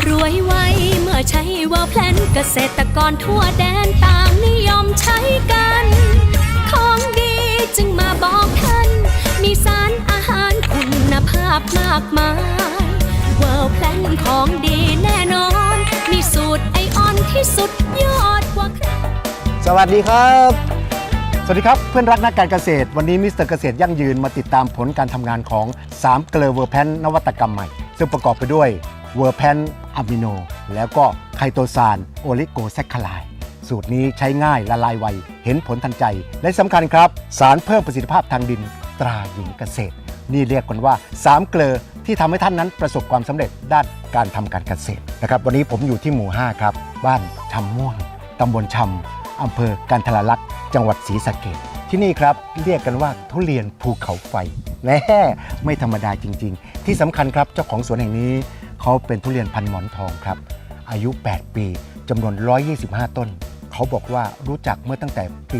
รวยไวเมื่อใช้เวอร์แพลนเกษตรกรทั่วแดนต่างนิยมใช้กันของดีจึงมาบอกท่านมีสารอาหารคุณภาพมากมายเวอร์แพลนของดีแน่นอนมีสูตรไอออนที่สุดยอดกว่าใครสวัสดีครับสวัสดีครับเพื่อนรักนักการเกษตรวันนี้มิสเตอร์เกษตรยั่งยืนมาติดตามผลการทำงานของ3เกลือเวอร์แพนนวัตกรรมใหม่ซึ่งประกอบไปด้วยเวอร์แพนอะมิโนแล้วก็ไคโตซานโอลิโกแซคคาไลด์สูตรนี้ใช้ง่ายละลายไวเห็นผลทันใจและสำคัญครับสารเพิ่มประสิทธิภาพทางดินตราหญิงเกษตรนี่เรียกกันว่า3เกลือที่ทำให้ท่านนั้นประสบความสำเร็จด้านการทำการเกษตรนะครับวันนี้ผมอยู่ที่หมู่5ครับบ้านชำม่วงตำบลชำอำเภอกันทรลักษณ์จังหวัดศรีสะเกษที่นี่ครับเรียกกันว่าทุเรียนภูเขาไฟแน่ไม่ธรรมดาจริงๆที่สำคัญครับเจ้าของสวนแห่งนี้เขาเป็นทุเรียนพันหมอนทองครับอายุ8ปีจำนวน125ต้นเขาบอกว่ารู้จักเมื่อตั้งแต่ปี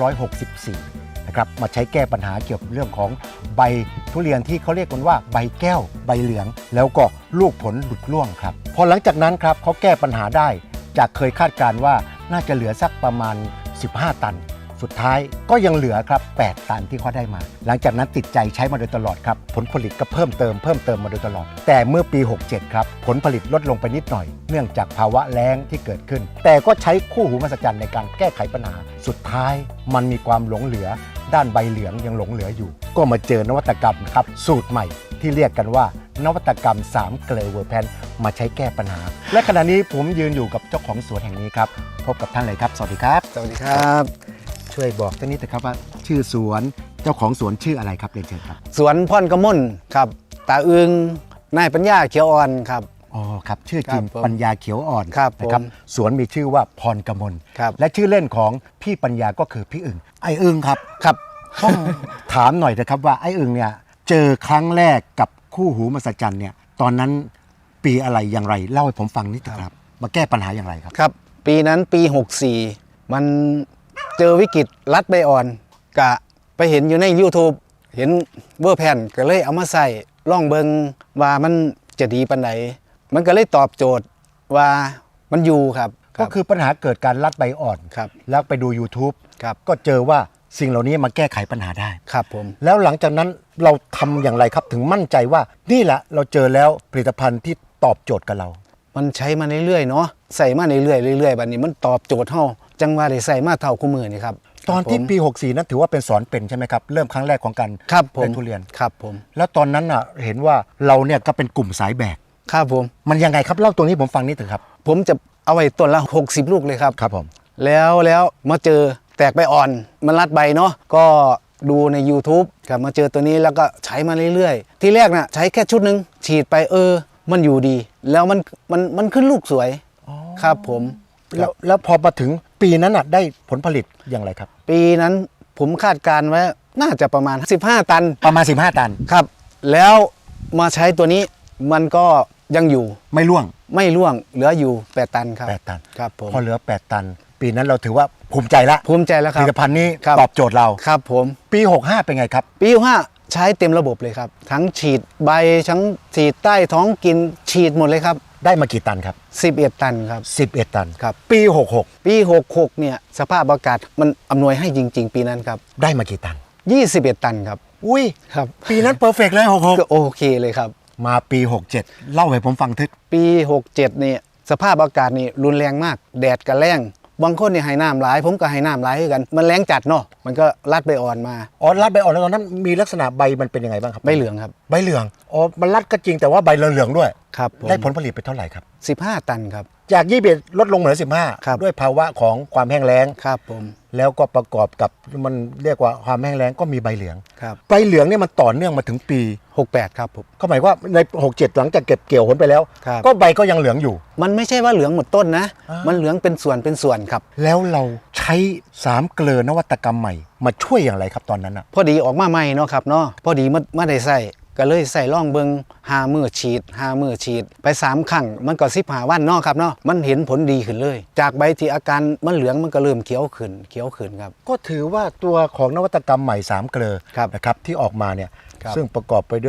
2564นะครับมาใช้แก้ปัญหาเกี่ยวกับเรื่องของใบทุเรียนที่เขาเรียกกันว่าใบแก้วใบเหลืองแล้วก็ลูกผลหลุดร่วงครับพอหลังจากนั้นครับเขาแก้ปัญหาได้จากเคยคาดการณ์ว่าน่าจะเหลือสักประมาณ15ตันสุดท้ายก็ยังเหลือครับ8ตันที่เขาได้มาหลังจากนั้นติดใจใช้มาโดยตลอดครับผลผลิตก็เพิ่มเติมมาโดยตลอดแต่เมื่อปี67ครับผลผลิตลดลงไปนิดหน่อยเนื่องจากภาวะแล้งที่เกิดขึ้นแต่ก็ใช้คู่หูมหัศจรรย์ในการแก้ไขปัญหาสุดท้ายมันมีความหลงเหลือด้านใบเหลืองยังหลงเหลืออยู่ก็มาเจอนวัตกรรมครับสูตรใหม่ที่เรียกกันว่านวัตกรรม3เกลือเวอร์แพนมาใช้แก้ปัญหาและขณะนี้ผมยืนอยู่กับเจ้าของสวนแห่งนี้ครับพบกับท่านเลยครับสวัสดีครับสวัสดีครับช่วยบอกท่านนิดนะครับว่าชื่อสวนเจ้าของสวนชื่ออะไรครับเรียนเชิญครับสวนพ่อนกระม่นครับตาอึงนายปัญญาเขียวอ่อนครับอ๋อครับชื่อจริงปัญญาเขียวอ่อนนะครับสวนมีชื่อว่าพรกมลและชื่อเล่นของพี่ปัญญาก็คือพี่อึ่งไอ้อึ่งครับครับต้องถามหน่อยนะครับว่าไอ้อึ่งเนี่ยเจอครั้งแรกกับคู่หูมหัศจรรย์เนี่ยตอนนั้นปีอะไรอย่างไรเล่าให้ผมฟังนิดครับมาแก้ปัญหาอย่างไรครับครับปีนั้นปี64มันเจอวิกฤตรัดใบอ่อนกะไปเห็นอยู่ใน YouTube เห็นเวอร์แพนก็เลยเอามาใส่ล่องเบิงว่ามันจะดีปันไหนมันก็เลยตอบโจทย์ว่ามันอยู่ครับก็คือปัญหาเกิดการรัดใบอ่อนครับแล้วไปดู YouTube ครับก็เจอว่าสิ่งเหล่านี้มาแก้ไขปัญหาได้ครับผมแล้วหลังจากนั้นเราทำอย่างไรครับถึงมั่นใจว่านี่แหละเราเจอแล้วผลิตภัณฑ์ที่ตอบโจทย์กับเรามันใช้มาเรื่อยๆเนาะใส่มาเรื่อยๆบัดนี้มันตอบโจทย์เฮาจังว่าได้ใส่มาเท่าคู่มือนี่ครับตอนที่ปี64นั้นถือว่าเป็นสอนเป็นใช่ไหมครับเริ่มครั้งแรกของการเล่นทุเรียนครับผมแล้วตอนนั้นอ่ะเห็นว่าเราเนี่ยก็เป็นกลุ่มสายแบกครับผมมันยังไงครับเล่าตรงนี้ผมฟังนิดนึงครับผมจะเอาไว้ต้นละ60ลูกเลยครับครับผมแล้วมาเจอแตกใบอ่อนมันรัดใบเนาะก็ดูใน YouTube ครับมาเจอตัวนี้แล้วก็ใช้มาเรื่อยๆที่แรกน่ะใช้แค่ชุดนึงฉีดไปมันอยู่ดีแล้วมันขึ้นลูกสวยครับผมแล้วพอมาถึงปีนั้นน่ะได้ผลผลิตอย่างไรครับปีนั้นผมคาดการไว้น่าจะประมาณ15ตันประมาณ15ตันครับแล้วมาใช้ตัวนี้มันก็ยังอยู่ไม่ร่วงเหลืออยู่8ตันครับ 8ตันครับผมพอเหลือ8ตันปีนั้นเราถือว่าภูมิใจแล้วครับผลิตภัณฑ์นี้ตอบโจทย์เราครับผมปี65เป็นไงครับปี65ใช้เต็มระบบเลยครับทั้งฉีดใบทั้งฉีดใต้ท้องกินฉีดหมดเลยครับได้มากี่ตันครับ 11ตันครับ 11ตันครับปี 66เนี่ยสภาพอากาศมันอำนวยให้จริงๆปีนั้นครับได้มากี่ตัน 21ตันครับอุ้ยครับปีนั้นเพอร์เฟกต์เลย66 ก็โอเคเลยครับมาปี67เล่าให้ผมฟังทึกปี67เนี่ยสภาพอากาศนี่รุนแรงมากแดดกับแรงบางคนเนี่ยให้น้ำหลายผมก็ให้น้ำหลายกันมันแรงจัดเนาะมันก็รัดใบอ่อนมารัดใบอ่อนแล้วตอนนั้นมีลักษณะใบมันเป็นยังไงบ้างครับใบเหลืองครับใบเหลืองมันรัดก็จริงแต่ว่าใบเหลืองด้วยครับได้ผลผลิตไปเท่าไหร่ครับ 15ตันครับจาก21ลดลงเหลือ15ด้วยภาวะของความแห้งแล้งครับผมแล้วก็ประกอบกับมันเรียกว่าความแห้งแล้งก็มีใบเหลืองครับใบเหลืองเนี่ยมันต่อเนื่องมาถึงปี 68ครับผมก็หมายว่าใน67หลังจากเก็บเกี่ยวผลไปแล้วก็ใบก็ยังเหลืองอยู่มันไม่ใช่ว่าเหลืองหมดต้นนะมันเหลืองเป็นส่วนครับแล้วเราใช้3เกลือนวัตกรรมใหม่มาช่วยอย่างไรครับตอนนั้นอ่ะพอดีออกมาใหม่เนาะครับเนาะพอดีไม่ได้ใส่ก็เลยใส่ล่องเบิง5 มื้อฉีดไป3ครั้งมันก็15วันเนาะครับเนาะมันเห็นผลดีขึ้นเลยจากใบที่อาการมันเหลืองมันก็เริ่มเขียวขึ้นครับก็ถือว่าตัวของนวัตกรรมใหม่3เกลือนะครับที่ออกมาเนี่ยซึ่งประกอบไปด้วย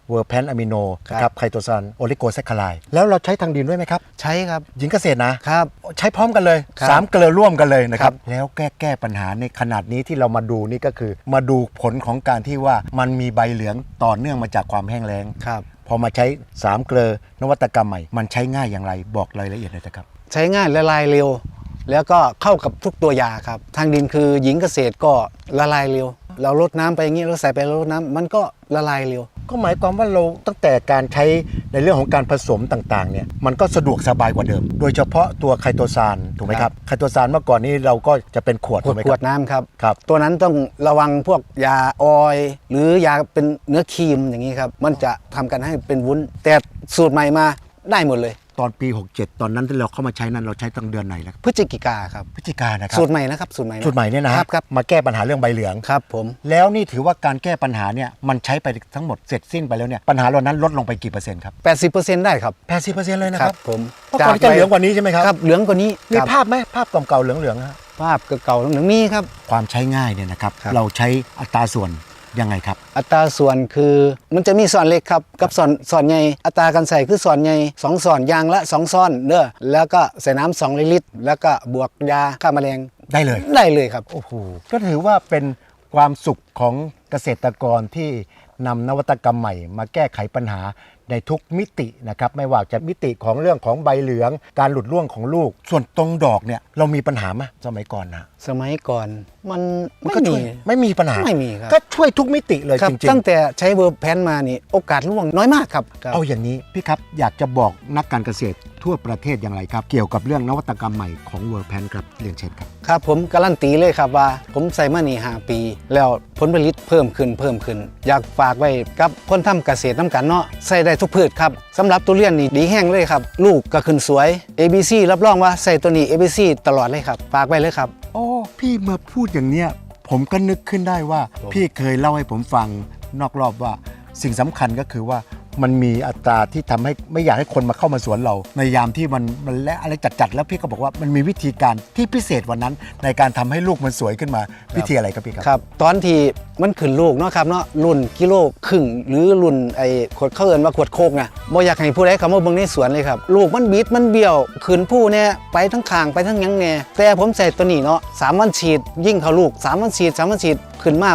เวอร์แพนอะมิโนครับนะครับไคโตซานโอลิโกแซคคาไลด์แล้วเราใช้ทางดินด้วยไหมครับใช้ครับหญิงเกษตรนะครับ ใช้พร้อมกันเลยครับ 3 เกลือร่วมกันเลยนะครับครับแล้วแก้ปัญหาในขนาดนี้ที่เรามาดูนี่ก็คือ มาดูผลของการที่ว่ามันมีใบเหลืองต่อเนื่องมาจากความแห้งแล้งครับพอมาใช้3 เกลือนวัตกรรมใหม่มันใช้ง่ายอย่างไรบอกรายละเอียดเลยนะครับใช้ง่ายละลายเร็ว แล้วก็เข้ากับทุกตัวยาครับ ทางดินคือหญิงเกษตรก็ละลายเร็ว เราลดน้ำไปอย่างนี้เราใส่ไปเราลดน้ำมันก็ละลายเร็วก็หมายความว่าเราตั้งแต่การใช้ในเรื่องของการผสมต่างๆเนี่ยมันก็สะดวกสบายกว่าเดิม โดยเฉพาะตัวไคโตซานถูกไหมครับไคโตซานเมื่อก่อนนี้เราก็จะเป็นขวดถูกไหมขคว รัดบน้ำครับครับตัวนั้นต้องระวังพวกยาออยล์หรือยาเป็นเนื้อครีมอย่างนี้ครับ มันจะทำกันให้เป็นวุ้น แต่สูตรใหม่มาได้หมดเลยตอนปี 67 ตอนนั้นที่เราเข้ามาใช้นั้นเราใช้ตั้งเดือนไหนแล้วครับพฤศจิกาครับพฤศจิกายนนะครับสูตรใหม่นะครับสูตรใหม่ะสูตรใหม่เนี่ยนะครับครับมาแก้ปัญหาเรื่องใบเหลืองครับผมแล้วนี่ถือว่าการแก้ปัญหาเนี่ยมันใช้ไปทั้งหมดเสร็จสิ้นไปแล้วเนี่ยปัญหาเหล่านั้นลดลงไปกี่เปอร์เซ็นต์ครับ 80%ได้ครับ 80%เลยนะคครัรับบ ผมเมื่อก่อนจะเหลืองกว่านี้ใช่ไหมครับครับเหลืองกว่านี้มีครับภาพไหมภาพเก่าๆเหลืองๆฮะภาพเก่าๆเหลืองมีครับความใช้ง่ายเนี่ยนะครับครับเราใช้อัตราส่วนยังไงครับอัตราส่วนคือมันจะมีส่วนเล็กครับกับส่วนใหญ่อัตราการใส่คือส่วนใหญ่2ส่วนยางละ2ซ้อนเด้อแล้วก็ใส่น้ำ2ลิตรแล้วก็บวกยาฆ่าแมลงได้เลยได้เลยครับโอ้โหก็ถือว่าเป็นความสุขของเกษตรกรที่นำนวัตกรรมใหม่มาแก้ไขปัญหาในทุกมิตินะครับไม่ว่าจะมิติของเรื่องของใบเหลืองการหลุดร่วงของลูก ส่วนตรงดอกเนี่ยเรามีปัญหาไหมสมัยก่อนนะสมัยก่อนมันมันไม่ก็มีช่วยไม่มีปัญหาไม่มีครับก็ช่วยทุกมิติเลยครับจริงตั้งแต่ใช้เวอร์แพนมานี่โอกาสร่วงน้อยมากครับๆเอาอย่างนี้พี่ครับอยากจะบอกนักการเกษตรทั่วประเทศอย่างไรครับ เกี่ยวกับเรื่องนวัตกรรมใหม่ของเวอร์แพนครับเรียนเชิญครับครับผมการันตีเลยครับว่าผมใส่มานี่5 ปี แล้วผลผลิตเพิ่มขึ้น อยากฝากไว้กับคนทำเกษตรน้ำกันเนาะใส่ได้ทุกพืชครับสำหรับทุเรียนนี่ดีแห้งเลยครับลูกก็ขึ้นสวย ABC รับรองว่าใส่ตัวนี้ ABC ตลอดเลยครับฝากไว้เลยครับโอ้พี่มาพูดอย่างเนี้ยผมก็นึกขึ้นได้ว่าผมพี่เคยเล่าให้ผมฟังนอกรอบว่าสิ่งสำคัญก็คือว่ามันมีอัตราที่ทำให้ไม่อยากให้คนมาเข้ามาสวนเรา ในยามที่มันและอะไรจัดๆแล้วพี่ก็บอกว่ามันมีวิธีการที่พิเศษวันนั้น ในการทำให้ลูกมันสวยขึ้นมาวิธีอะไรครับพี่ครับครับตอนที่มันขึ้นลูกเนาะครับเนาะรุ่นกิโลครึ่งหรือรุ่นไอ้ขวดเขาเอิ้นว่าขวดโคกนะบ่อยากให้ผู้ใดเข้ามาเบิ่งในสวนเลยครับลูกมันบิดมันเบี้ยวขึ้นผู้เนี่ยไปทั้งข้างไปทั้งหยังแน่แต่ผมใส่ตัวนี้เนาะ3 วันฉีดยิ่งเข้าลูก3 วันฉีด3 วันฉีดขึ้นมา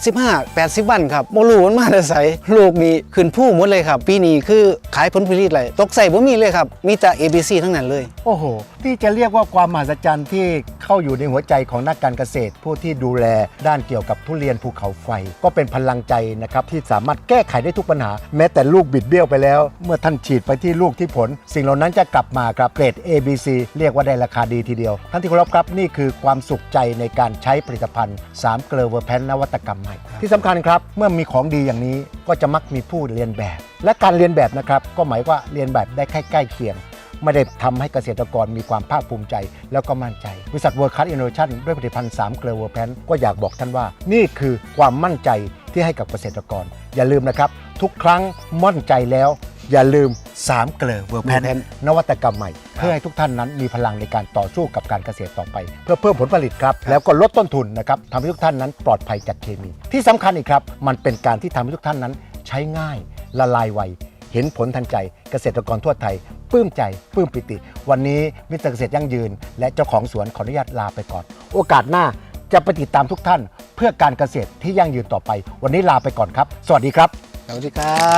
75-80 วันครับบ่รู้มันมาแต่ไสลูกนี่ขึ้นผู้หมดเลยครับปีนี้คือขายผลผลิตเลยตกใส่บ่มีเลยครับมีแต่ ABC ทั้งนั้นเลยโอ้โหที่จะเรียกว่าความมหัศจรรย์ที่เข้าอยู่ในหัวใจของนักการเกษตร ผู้ที่ดูแลด้านเกี่ยวกับทุเรียนภูเขาไฟ ก็เป็นพลังใจนะครับที่สามารถแก้ไขได้ทุกปัญหา แม้แต่ลูกบิดเบี้ยวไปแล้ว เมื่อท่านฉีดไปที่ลูกที่ผล สิ่งเหล่านั้นจะกลับมาครับเกรด ABC เรียกว่าได้ราคาดีทีเดียวท่านที่เคารพครับนี่คือความสุขใจในการใช้ผลิตภัณฑ์3 เกลอเวอร์แพนนวัตกรรมใหม่ที่สำคัญครับเมื่อมีของดีอย่างนี้ก็จะมักมีผู้เรียนแบบ และการเรียนแบบนะครับก็หมายว่าเรียนแบบได้ใกล้เคียง ไม่ได้ทำให้เกษตรกรมีความภาคภูมิใจแล้วก็มั่นใจบริษัท World Class Innovation ด้วยผลิตภัณฑ์3 เกลือเวอร์แพนก็อยากบอกท่านว่านี่คือความมั่นใจที่ให้กับเกษตรกร อย่าลืมนะครับทุกครั้งมั่นใจแล้วอย่าลืม3 เกลือเวอร์แพนนวัตกรรมใหม่เพื่อให้ทุกท่านนั้นมีพลังในการต่อสู้กับการเกษตรต่อไป เพื่อเพิ่มผลผลิตครับแล้วก็ลดต้นทุนนะครับทำให้ทุกท่านนั้นปลอดภัยจากเคมีที่สำคัญอีกครับมันเป็นการที่ทำให้ทุกท่านนั้นใช้ง่ายละลายไวเห็นผลทันใจเกษตรกรทั่วไทยปลื้มใจปลื้มปิติวันนี้มิสเตอร์เกษตรยั่งยืนและเจ้าของสวนขออนุญาตลาไปก่อนโอกาสหน้าจะไปติดตามทุกท่านเพื่อการเกษตรที่ยั่งยืนต่อไปวันนี้ลาไปก่อนครับสวัสดีครับสวัสดีครับ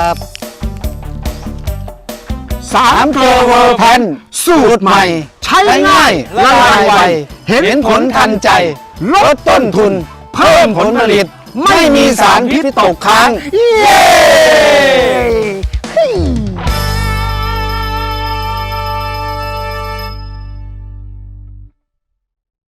3 เกลือเวอร์แพนสูตรใหม่ใช้ง่ายละลายไวเห็นผลทันใจลดต้นทุนเพิ่มผลผลิตไม่มีสารพิษตกค้างเย้